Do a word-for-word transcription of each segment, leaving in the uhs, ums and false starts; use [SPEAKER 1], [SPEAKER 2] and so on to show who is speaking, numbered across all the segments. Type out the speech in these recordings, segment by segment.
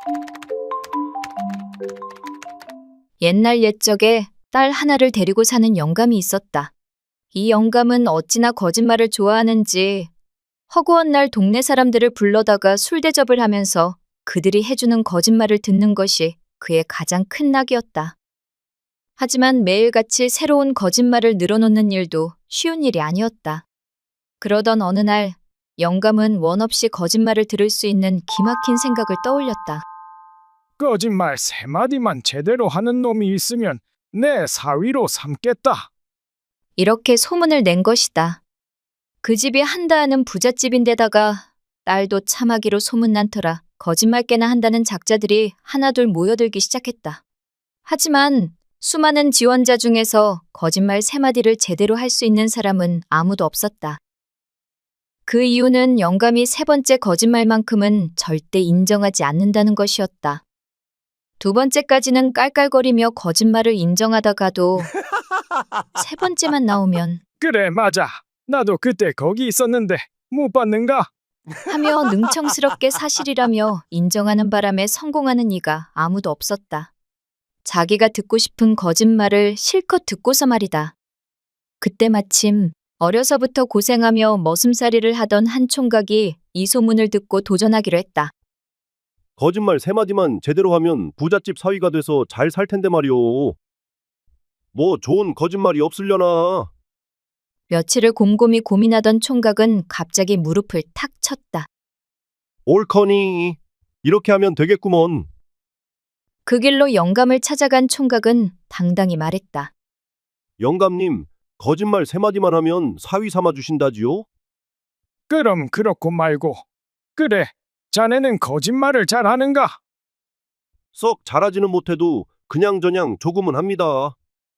[SPEAKER 1] 옛날 옛적에 딸 하나를 데리고 사는 영감이 있었다. 이 영감은 어찌나 거짓말을 좋아하는지 허구한 날 동네 사람들을 불러다가 술 대접을 하면서 그들이 해주는 거짓말을 듣는 것이 그의 가장 큰 낙이었다. 하지만 매일같이 새로운 거짓말을 늘어놓는 일도 쉬운 일이 아니었다. 그러던 어느 날 영감은 원 없이 거짓말을 들을 수 있는 기막힌 생각을 떠올렸다.
[SPEAKER 2] 거짓말 세 마디만 제대로 하는 놈이 있으면 내 사위로 삼겠다.
[SPEAKER 1] 이렇게 소문을 낸 것이다. 그 집이 한다 하는 부잣집인데다가 딸도 참하기로 소문난 터라 거짓말 깨나 한다는 작자들이 하나둘 모여들기 시작했다. 하지만 수많은 지원자 중에서 거짓말 세 마디를 제대로 할 수 있는 사람은 아무도 없었다. 그 이유는 영감이 세 번째 거짓말만큼은 절대 인정하지 않는다는 것이었다. 두 번째까지는 깔깔거리며 거짓말을 인정하다가도 세 번째만 나오면
[SPEAKER 2] 그래 맞아. 나도 그때 거기 있었는데 못 봤는가?
[SPEAKER 1] 하며 능청스럽게 사실이라며 인정하는 바람에 성공하는 이가 아무도 없었다. 자기가 듣고 싶은 거짓말을 실컷 듣고서 말이다. 그때 마침 어려서부터 고생하며 머슴살이를 하던 한 총각이 이 소문을 듣고 도전하기로 했다.
[SPEAKER 3] 거짓말 세 마디만 제대로 하면 부잣집 사위가 돼서 잘 살 텐데 말이오. 뭐 좋은 거짓말이 없으려나?
[SPEAKER 1] 며칠을 곰곰이 고민하던 총각은 갑자기 무릎을 탁 쳤다.
[SPEAKER 3] 옳거니. 이렇게 하면 되겠구먼.
[SPEAKER 1] 그 길로 영감을 찾아간 총각은 당당히 말했다.
[SPEAKER 3] 영감님, 거짓말 세 마디만 하면 사위 삼아 주신다지요?
[SPEAKER 2] 그럼 그렇고 말고. 그래, 자네는 거짓말을 잘하는가?
[SPEAKER 3] 썩 잘하지는 못해도 그냥저냥 조금은 합니다.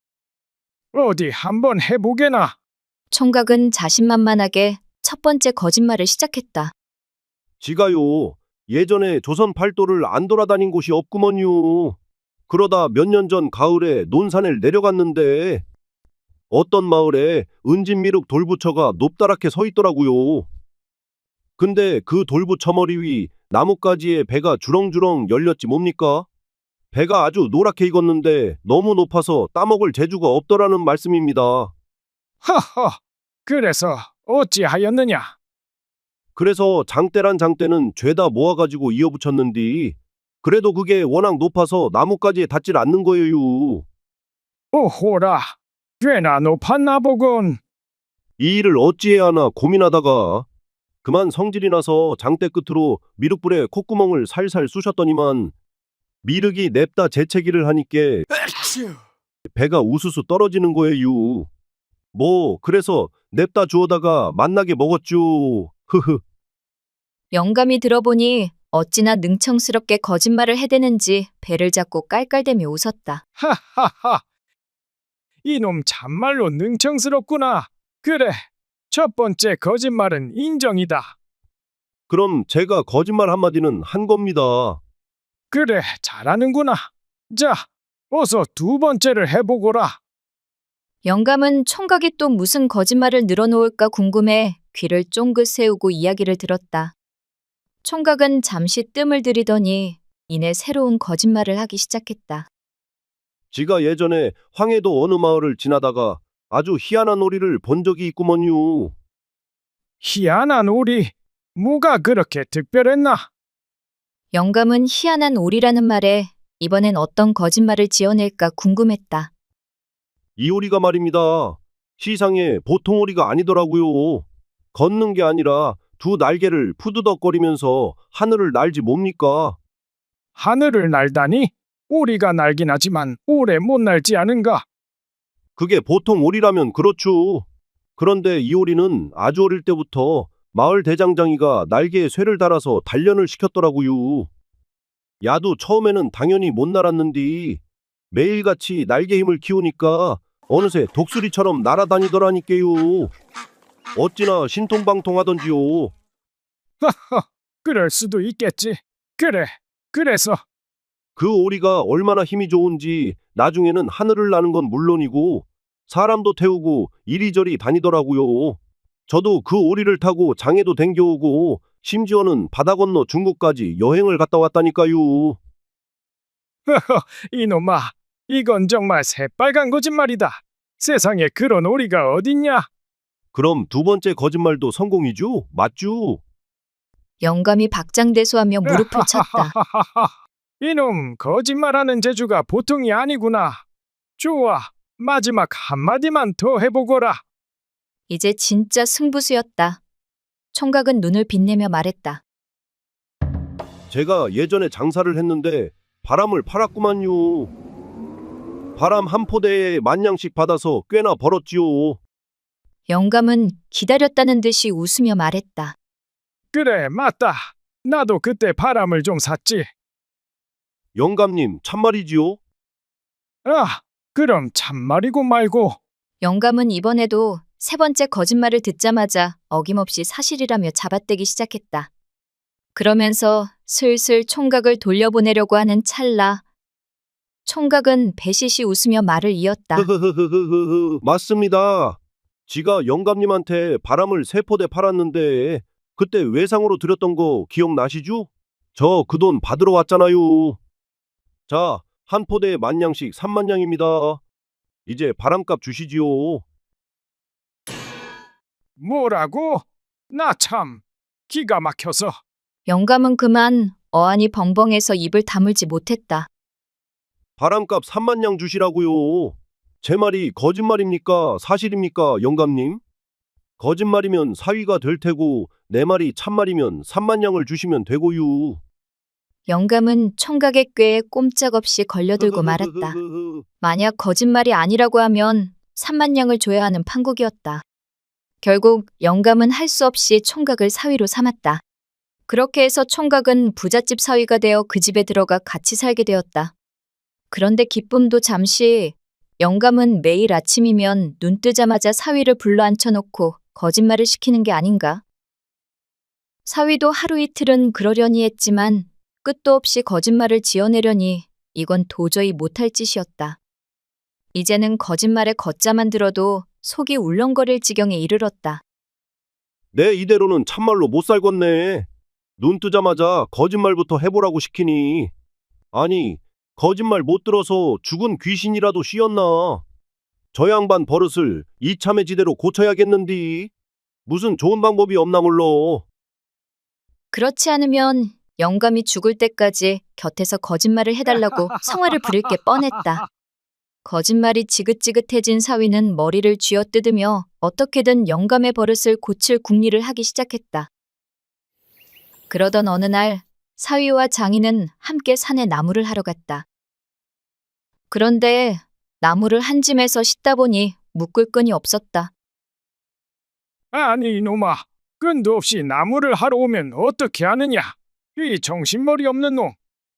[SPEAKER 2] 어디 한번 해보게나.
[SPEAKER 1] 총각은 자신만만하게 첫 번째 거짓말을 시작했다.
[SPEAKER 3] 지가요. 예전에 조선 팔도를 안 돌아다닌 곳이 없구먼요. 그러다 몇 년 전 가을에 논산을 내려갔는데 어떤 마을에 은진미륵 돌부처가 높다랗게 서 있더라고요. 근데 그 돌부처 머리 위 나뭇가지에 배가 주렁주렁 열렸지 뭡니까? 배가 아주 노랗게 익었는데 너무 높아서 따먹을 재주가 없더라는 말씀입니다.
[SPEAKER 2] 허허, 그래서 어찌하였느냐?
[SPEAKER 3] 그래서 장대란 장대는 죄다 모아가지고 이어붙였는디 그래도 그게 워낙 높아서 나뭇가지에 닿질 않는 거예요.
[SPEAKER 2] 오호라, 꽤나 높았나 보군.
[SPEAKER 3] 이 일을 어찌해야 하나 고민하다가 그만 성질이 나서 장대 끝으로 미륵불에 콧구멍을 살살 쑤셨더니만 미륵이 냅다 재채기를 하니께 배가 우수수 떨어지는 거예요. 뭐 그래서 냅다 주워다가 맛나게 먹었죠. 흐흐.
[SPEAKER 1] 영감이 들어보니 어찌나 능청스럽게 거짓말을 해대는지 배를 잡고 깔깔대며 웃었다.
[SPEAKER 2] 하하하, 이놈 참말로 능청스럽구나. 그래, 첫 번째 거짓말은 인정이다.
[SPEAKER 3] 그럼 제가 거짓말 한마디는 한 겁니다.
[SPEAKER 2] 그래, 잘하는구나. 자, 어서 두 번째를 해보거라.
[SPEAKER 1] 영감은 총각이 또 무슨 거짓말을 늘어놓을까 궁금해 귀를 쫑긋 세우고 이야기를 들었다. 총각은 잠시 뜸을 들이더니 이내 새로운 거짓말을 하기 시작했다.
[SPEAKER 3] 지가 예전에 황해도 어느 마을을 지나다가 아주 희한한 오리를 본 적이 있구먼요.
[SPEAKER 2] 희한한 오리, 뭐가 그렇게 특별했나?
[SPEAKER 1] 영감은 희한한 오리라는 말에 이번엔 어떤 거짓말을 지어낼까 궁금했다.
[SPEAKER 3] 이 오리가 말입니다. 시상에 보통 오리가 아니더라고요. 걷는 게 아니라 두 날개를 푸드덕거리면서 하늘을 날지 뭡니까?
[SPEAKER 2] 하늘을 날다니? 오리가 날긴 하지만 오래 못 날지 않은가?
[SPEAKER 3] 그게 보통 오리라면 그렇죠. 그런데 이 오리는 아주 어릴 때부터 마을 대장장이가 날개에 쇠를 달아서 단련을 시켰더라고요. 야도 처음에는 당연히 못 날았는디 매일같이 날개 힘을 키우니까 어느새 독수리처럼 날아다니더라니까요. 어찌나 신통방통하던지요.
[SPEAKER 2] 하하, 그럴 수도 있겠지. 그래, 그래서
[SPEAKER 3] 그 오리가 얼마나 힘이 좋은지 나중에는 하늘을 나는 건 물론이고 사람도 태우고 이리저리 다니더라고요. 저도 그 오리를 타고 장에도 댕겨오고 심지어는 바다 건너 중국까지 여행을 갔다 왔다니까요.
[SPEAKER 2] 이놈아, 이건 정말 새빨간 거짓말이다. 세상에 그런 오리가 어딨냐?
[SPEAKER 3] 그럼 두 번째 거짓말도 성공이죠? 맞죠?
[SPEAKER 1] 영감이 박장대소하며 무릎을 쳤다.
[SPEAKER 2] 이놈, 거짓말하는 재주가 보통이 아니구나. 좋아, 마지막 한마디만 더 해보거라.
[SPEAKER 1] 이제 진짜 승부수였다. 총각은 눈을 빛내며 말했다.
[SPEAKER 3] 제가 예전에 장사를 했는데 바람을 팔았구만요. 바람 한 포대에 만 냥씩 받아서 꽤나 벌었지요.
[SPEAKER 1] 영감은 기다렸다는 듯이 웃으며 말했다.
[SPEAKER 2] 그래, 맞다. 나도 그때 바람을 좀 샀지.
[SPEAKER 3] 영감님, 참말이지요?
[SPEAKER 2] 아, 그럼 참말이고 말고.
[SPEAKER 1] 영감은 이번에도 세 번째 거짓말을 듣자마자 어김없이 사실이라며 잡아떼기 시작했다. 그러면서 슬슬 총각을 돌려보내려고 하는 찰나 총각은 배시시 웃으며 말을 이었다.
[SPEAKER 3] 흐흐흐흐흐흐 맞습니다. 지가 영감님한테 바람을 세 포대 팔았는데 그때 외상으로 드렸던 거 기억나시죠? 저 그 돈 받으러 왔잖아요. 자, 한 포대에 만 냥씩 삼만 냥입니다. 이제 바람값 주시지요.
[SPEAKER 2] 뭐라고? 나 참 기가 막혀서.
[SPEAKER 1] 영감은 그만 어안이 벙벙해서 입을 다물지 못했다.
[SPEAKER 3] 바람값 삼만 냥 주시라고요. 제 말이 거짓말입니까? 사실입니까? 영감님? 거짓말이면 사위가 될 테고 내 말이 참말이면 삼만 냥을 주시면 되고요.
[SPEAKER 1] 영감은 총각의 꾀에 꼼짝없이 걸려들고 말았다. 만약 거짓말이 아니라고 하면 삼만 냥을 줘야 하는 판국이었다. 결국 영감은 할 수 없이 총각을 사위로 삼았다. 그렇게 해서 총각은 부잣집 사위가 되어 그 집에 들어가 같이 살게 되었다. 그런데 기쁨도 잠시 영감은 매일 아침이면 눈 뜨자마자 사위를 불러 앉혀놓고 거짓말을 시키는 게 아닌가. 사위도 하루 이틀은 그러려니 했지만 끝도 없이 거짓말을 지어내려니 이건 도저히 못할 짓이었다. 이제는 거짓말에 걷자만 들어도 속이 울렁거릴 지경에 이르렀다.
[SPEAKER 3] 내 이대로는 참말로 못 살겠네. 눈 뜨자마자 거짓말부터 해보라고 시키니. 아니, 거짓말 못 들어서 죽은 귀신이라도 씌었나. 저 양반 버릇을 이참에 지대로 고쳐야겠는디. 무슨 좋은 방법이 없나 몰라.
[SPEAKER 1] 그렇지 않으면 영감이 죽을 때까지 곁에서 거짓말을 해달라고 성화를 부릴 게 뻔했다. 거짓말이 지긋지긋해진 사위는 머리를 쥐어뜯으며 어떻게든 영감의 버릇을 고칠 궁리를 하기 시작했다. 그러던 어느 날 사위와 장인은 함께 산에 나무를 하러 갔다. 그런데 나무를 한 짐에서 싣다 보니 묶을 끈이 없었다.
[SPEAKER 2] 아니 이놈아, 끈도 없이 나무를 하러 오면 어떻게 하느냐? 이 정신머리 없는 놈.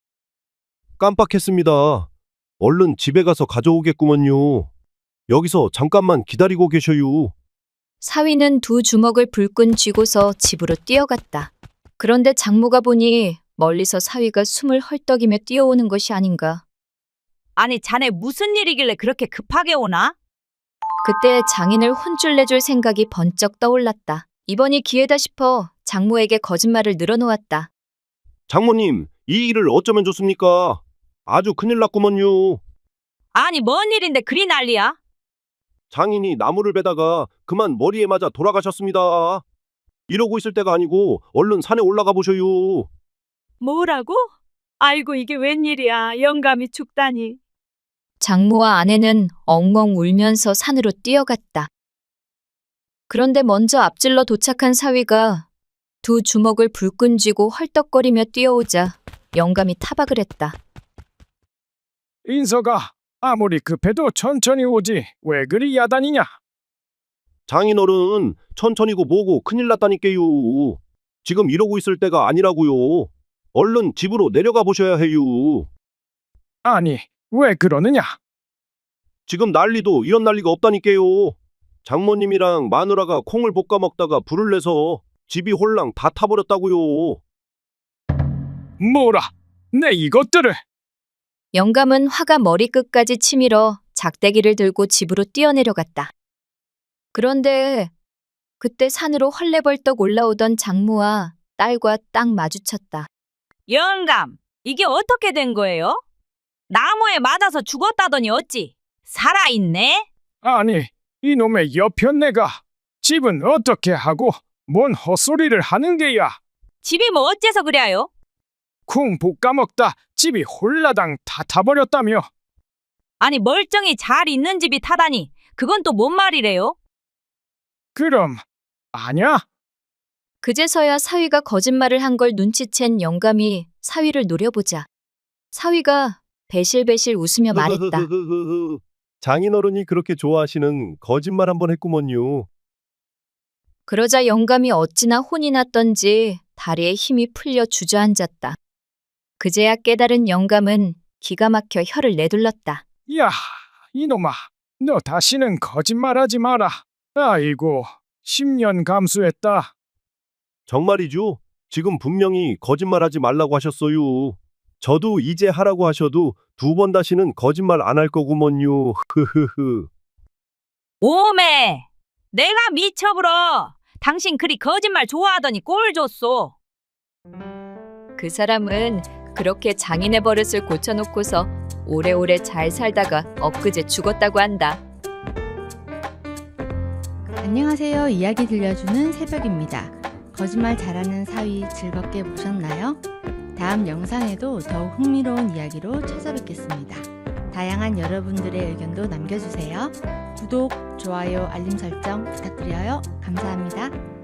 [SPEAKER 3] 깜빡했습니다. 얼른 집에 가서 가져오겠구먼요. 여기서 잠깐만 기다리고 계셔요.
[SPEAKER 1] 사위는 두 주먹을 불끈 쥐고서 집으로 뛰어갔다. 그런데 장모가 보니 멀리서 사위가 숨을 헐떡이며 뛰어오는 것이 아닌가.
[SPEAKER 4] 아니, 자네 무슨 일이길래 그렇게 급하게 오나?
[SPEAKER 1] 그때 장인을 혼쭐 내줄 생각이 번쩍 떠올랐다. 이번이 기회다 싶어 장모에게 거짓말을 늘어놓았다.
[SPEAKER 3] 장모님, 이 일을 어쩌면 좋습니까? 아주 큰일 났구먼요.
[SPEAKER 4] 아니, 뭔 일인데 그리 난리야?
[SPEAKER 3] 장인이 나무를 베다가 그만 머리에 맞아 돌아가셨습니다. 이러고 있을 때가 아니고 얼른 산에 올라가 보셔요.
[SPEAKER 4] 뭐라고? 아이고, 이게 웬일이야. 영감이 죽다니.
[SPEAKER 1] 장모와 아내는 엉엉 울면서 산으로 뛰어갔다. 그런데 먼저 앞질러 도착한 사위가 두 주먹을 불끈 쥐고 헐떡거리며 뛰어오자 영감이 타박을 했다.
[SPEAKER 2] 인서가 아무리 급해도 천천히 오지 왜 그리 야단이냐?
[SPEAKER 3] 장인어른, 천천히고 뭐고 큰일 났다니까요. 지금 이러고 있을 때가 아니라고요. 얼른 집으로 내려가 보셔야 해요.
[SPEAKER 2] 아니 왜 그러느냐?
[SPEAKER 3] 지금 난리도 이런 난리가 없다니까요. 장모님이랑 마누라가 콩을 볶아 먹다가 불을 내서 집이 홀랑 다 타버렸다고요.
[SPEAKER 2] 뭐라? 내 이것들을.
[SPEAKER 1] 영감은 화가 머리끝까지 치밀어 작대기를 들고 집으로 뛰어내려갔다. 그런데 그때 산으로 헐레벌떡 올라오던 장모와 딸과 딱 마주쳤다.
[SPEAKER 4] 영감, 이게 어떻게 된 거예요? 나무에 맞아서 죽었다더니 어찌 살아있네?
[SPEAKER 2] 아니, 이놈의 여편네가 집은 어떻게 하고 뭔 헛소리를 하는 게야?
[SPEAKER 4] 집이 뭐 어째서 그래요?
[SPEAKER 2] 쿵 볶아먹다 집이 홀라당 다 타버렸다며.
[SPEAKER 4] 아니 멀쩡히 잘 있는 집이 타다니 그건 또 뭔 말이래요?
[SPEAKER 2] 그럼 아냐?
[SPEAKER 1] 그제서야 사위가 거짓말을 한 걸 눈치챈 영감이 사위를 노려보자. 사위가 배실배실 웃으며 말했다.
[SPEAKER 3] 장인어른이 그렇게 좋아하시는 거짓말 한번 했구먼요.
[SPEAKER 1] 그러자 영감이 어찌나 혼이 났던지 다리에 힘이 풀려 주저앉았다. 그제야 깨달은 영감은 기가 막혀 혀를 내둘렀다.
[SPEAKER 2] 야, 이놈아, 너 다시는 거짓말하지 마라. 아이고, 십 년 감수했다.
[SPEAKER 3] 정말이죠? 지금 분명히 거짓말하지 말라고 하셨어요. 저도 이제 하라고 하셔도 두 번 다시는 거짓말 안 할 거구먼요. 흐흐흐.
[SPEAKER 4] 오메, 내가 미쳐불어. 당신 그리 거짓말 좋아하더니 꼴 줬소.
[SPEAKER 1] 그 사람은 그렇게 장인의 버릇을 고쳐놓고서 오래오래 잘 살다가 엊그제 죽었다고 한다.
[SPEAKER 5] 안녕하세요. 이야기 들려주는 새벽입니다. 거짓말 잘하는 사위 즐겁게 보셨나요? 다음 영상에도 더욱 흥미로운 이야기로 찾아뵙겠습니다. 다양한 여러분들의 의견도 남겨주세요. 구독, 좋아요, 알림 설정 부탁드려요. 감사합니다.